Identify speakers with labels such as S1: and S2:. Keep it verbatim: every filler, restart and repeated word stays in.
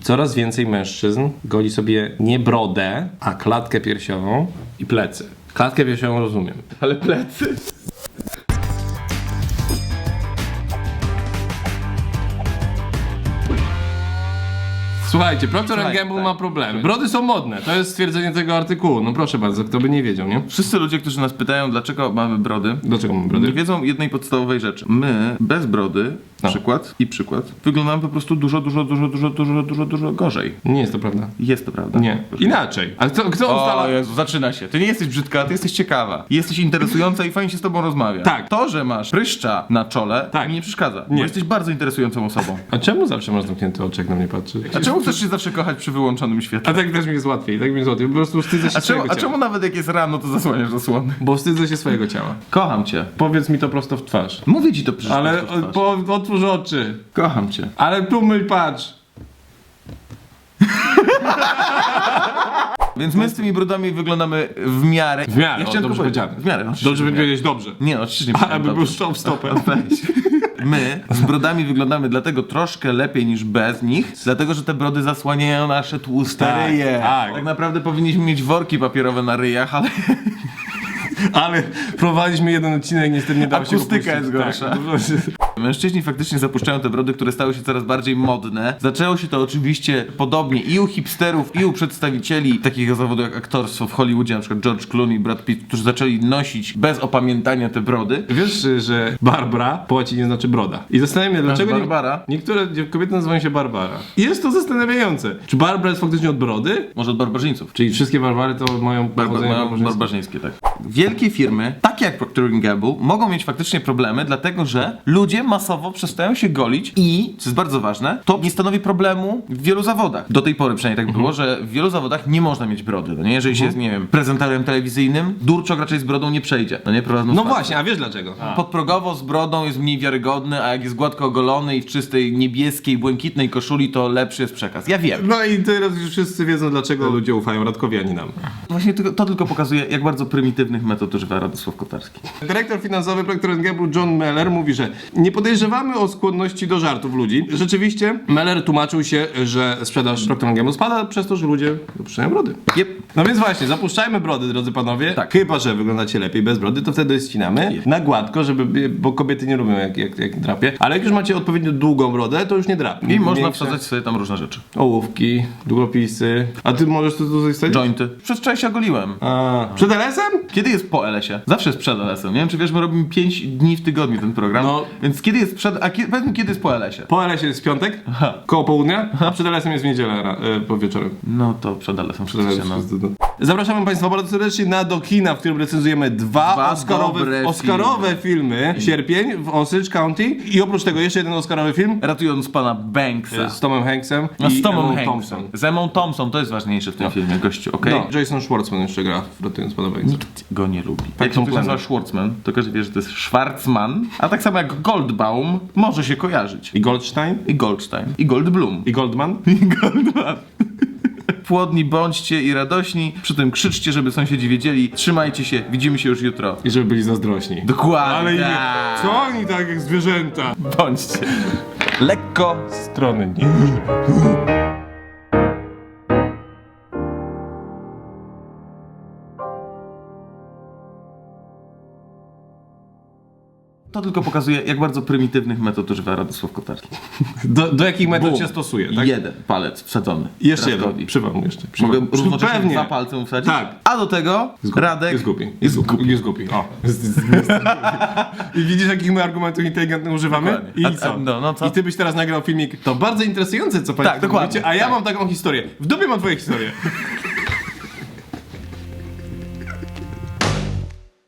S1: Coraz więcej mężczyzn goli sobie nie brodę, a klatkę piersiową i plecy. Klatkę piersiową rozumiem.
S2: Ale plecy?
S1: Słuchajcie, Procter
S2: Słuchaj,
S1: and Gamble
S2: tak.
S1: ma problemy. Brody są modne, to jest stwierdzenie tego artykułu. No proszę bardzo, kto by nie wiedział, nie?
S2: Wszyscy ludzie, którzy nas pytają, dlaczego mamy brody,
S1: Dlaczego mamy brody?
S2: nie wiedzą jednej podstawowej rzeczy. My bez brody,
S1: No.
S2: przykład i przykład, wyglądamy po prostu dużo, dużo, dużo, dużo, dużo, dużo, dużo gorzej.
S1: Nie jest to prawda.
S2: Jest to prawda.
S1: Nie. Inaczej. A kto, kto
S2: O
S1: ustala...
S2: Jezu, zaczyna się. Ty nie jesteś brzydka, ty jesteś ciekawa. Jesteś interesująca i fajnie się z tobą rozmawia.
S1: Tak.
S2: To, że masz pryszcza na czole,
S1: Tak.
S2: mi nie przeszkadza.
S1: Nie.
S2: Bo jesteś bardzo interesującą osobą.
S1: A czemu zawsze masz zamknięty oczy, jak na mnie patrzy?
S2: A czemu chcesz się zawsze kochać przy wyłączonym świetle?
S1: A tak też mi jest łatwiej, tak mi jest łatwiej. Po prostu wstydzę się
S2: A czemu,
S1: swojego
S2: a
S1: ciała.
S2: czemu nawet jak jest rano, to zasłaniasz zasłony?
S1: Bo wstydzę się swojego ciała.
S2: Kocham cię.
S1: Powiedz mi to prosto w twarz.
S2: Mówię ci to przecież.
S1: Ale
S2: prosto w twarz.
S1: po, otwórz oczy.
S2: Kocham cię.
S1: Ale tu myl, patrz.
S2: Więc my z tymi brudami wyglądamy w miarę.
S1: W miarę,
S2: Ja
S1: o,
S2: chciałem
S1: dobrze
S2: tylko powiedzieć.
S1: powiedziane.
S2: W miarę, oczywiście,
S1: Dobrze
S2: w
S1: by
S2: miarę.
S1: powiedzieć dobrze.
S2: Nie, no, oczywiście nie
S1: A,
S2: powiedziałem
S1: aby był
S2: dobrze.
S1: strzał w stopę.
S2: Weź. My z brodami wyglądamy dlatego troszkę lepiej niż bez nich, dlatego że te brody zasłaniają nasze tłuste
S1: Tak,
S2: ryje.
S1: tak.
S2: tak naprawdę powinniśmy mieć worki papierowe na ryjach, ale
S1: Ale prowadziliśmy jeden odcinek, niestety nie dało się
S2: akustyka jest
S1: opuścić.
S2: gorsza.
S1: Tak.
S2: Mężczyźni faktycznie zapuszczają te brody, które stały się coraz bardziej modne. Zaczęło się to oczywiście podobnie i u hipsterów, i u przedstawicieli takiego zawodu jak aktorstwo w Hollywoodzie, na przykład George Clooney, Brad Pitt, którzy zaczęli nosić bez opamiętania te brody.
S1: Wiesz, że Barbara po łacinie znaczy broda. I zastanawiam się, dlaczego nie-
S2: Barbara?
S1: niektóre kobiety nazywają się Barbara. I jest to zastanawiające. Czy Barbara jest faktycznie od brody?
S2: Może od barbarzyńców.
S1: Czyli wszystkie Barbary to mają
S2: Barba,
S1: pochodzenie
S2: mają
S1: barbarzyńskie?
S2: barbarzyńskie, tak. Wielkie firmy, takie jak Procter and Gamble, mogą mieć faktycznie problemy, dlatego że ludzie masowo przestają się golić i, co jest bardzo ważne, to nie stanowi problemu w wielu zawodach. Do tej pory przynajmniej tak było, że w wielu zawodach nie można mieć brody, no nie? Jeżeli się jest, nie wiem, prezenterem telewizyjnym, durczok raczej z brodą nie przejdzie, no nie? Prowadząc
S1: No
S2: pasję.
S1: właśnie, a wiesz dlaczego?
S2: Podprogowo z brodą jest mniej wiarygodny, a jak jest gładko ogolony i w czystej niebieskiej, błękitnej koszuli, to lepszy jest przekaz. Ja wiem.
S1: No i teraz już wszyscy wiedzą, dlaczego ludzie ufają Radkowi, a nie nam.
S2: Właśnie tylko, to tylko pokazuje, jak bardzo prymitywnych metod używa Radosław Kotarski.
S1: Dyrektor finansowy Procter and Gamble John Meller mówi, że nie podejrzewamy o skłonności do żartów ludzi. Rzeczywiście Meller tłumaczył się, że sprzedaż Procter and Gamble spada przez to, że ludzie dopuszczają brody.
S2: Yep.
S1: No więc właśnie, zapuszczajmy brody, drodzy panowie.
S2: Tak.
S1: Chyba że wyglądacie lepiej bez brody, to wtedy ścinamy
S2: Yep.
S1: na gładko, żeby, bo kobiety nie lubią jak, jak, jak drapie. Ale jak już macie odpowiednio długą brodę, to już nie drapie.
S2: I można
S1: Większe
S2: wsadzać sobie tam różne rzeczy.
S1: ołówki, długopisy. A ty możesz to tutaj wsadzić?
S2: Jointy. Przez wczoraj się ogoliłem.
S1: A, przed L S em?
S2: Kiedy jest po L S-ie? Zawsze jest przed L S-em. Nie wiem, czy wiesz, my robimy pięć dni w tygodniu ten program.
S1: No.
S2: Więc kiedy jest przed... A kiedy, powiedz mi, kiedy jest po L S-ie?
S1: Po L S ie jest piątek,
S2: Aha.
S1: koło południa, a przed L S em jest w niedzielę ra- e, po wieczorem.
S2: No to przed L S-em.
S1: Przed L S em
S2: Przed
S1: jest- Zapraszamy Państwa bardzo serdecznie na Do Kina, w którym recenzujemy dwa,
S2: Dwa
S1: Oscarowe,
S2: dobre
S1: Oscarowe filmy. Sierpień w Osage County i oprócz tego jeszcze jeden Oscarowy film
S2: Ratując pana Banksa.
S1: z Tomem Hanksem
S2: No,
S1: i
S2: z Tomem
S1: Emmą
S2: Hanksem.
S1: Thompson.
S2: Z Emmą Thompson, to jest ważniejsze w tym filmie, gościu, okej?
S1: No, Jason Schwartzman jeszcze gra w Ratując Pana Hanksa.
S2: Nikt go nie lubi.
S1: Tak
S2: Jak
S1: są
S2: się ktoś
S1: plany.
S2: nazywa Schwartzman, to każdy wie, że to jest Schwarzman, a tak samo jak Goldbaum może się kojarzyć.
S1: I Goldstein?
S2: I Goldstein. I Goldblum.
S1: I Goldman?
S2: I Goldman. Płodni bądźcie i radośni, przy tym krzyczcie, żeby sąsiedzi wiedzieli. Trzymajcie się, widzimy się już jutro.
S1: I żeby byli zazdrośni.
S2: Dokładnie.
S1: Ale nie, co oni tak jak zwierzęta?
S2: Bądźcie. Lekko.
S1: Strony nie.
S2: To tylko pokazuje, jak bardzo prymitywnych metod używa Radosław Kotarski.
S1: Do, do jakich metod
S2: Bum.
S1: się stosuje, tak?
S2: Jeden palec wsadzony.
S1: I jeszcze
S2: Radkowi.
S1: jeden. Przywam jeszcze.
S2: Mogę
S1: Przywam.
S2: równocześnie
S1: Pewnie.
S2: dwa palce mu wsadzić?
S1: Tak.
S2: A do tego Radek
S1: Jest głupi.
S2: jest głupi.
S1: Jest głupi. O. Jest, jest, jest. I widzisz, jakich my argumentów inteligentnych używamy?
S2: Dokładnie.
S1: I
S2: A-
S1: co?
S2: a- no, no co?
S1: I ty byś teraz nagrał filmik. To bardzo interesujące, co państwo
S2: Tak, dokładnie.
S1: mówicie, a ja mam taką historię. W dupie mam twoje historie.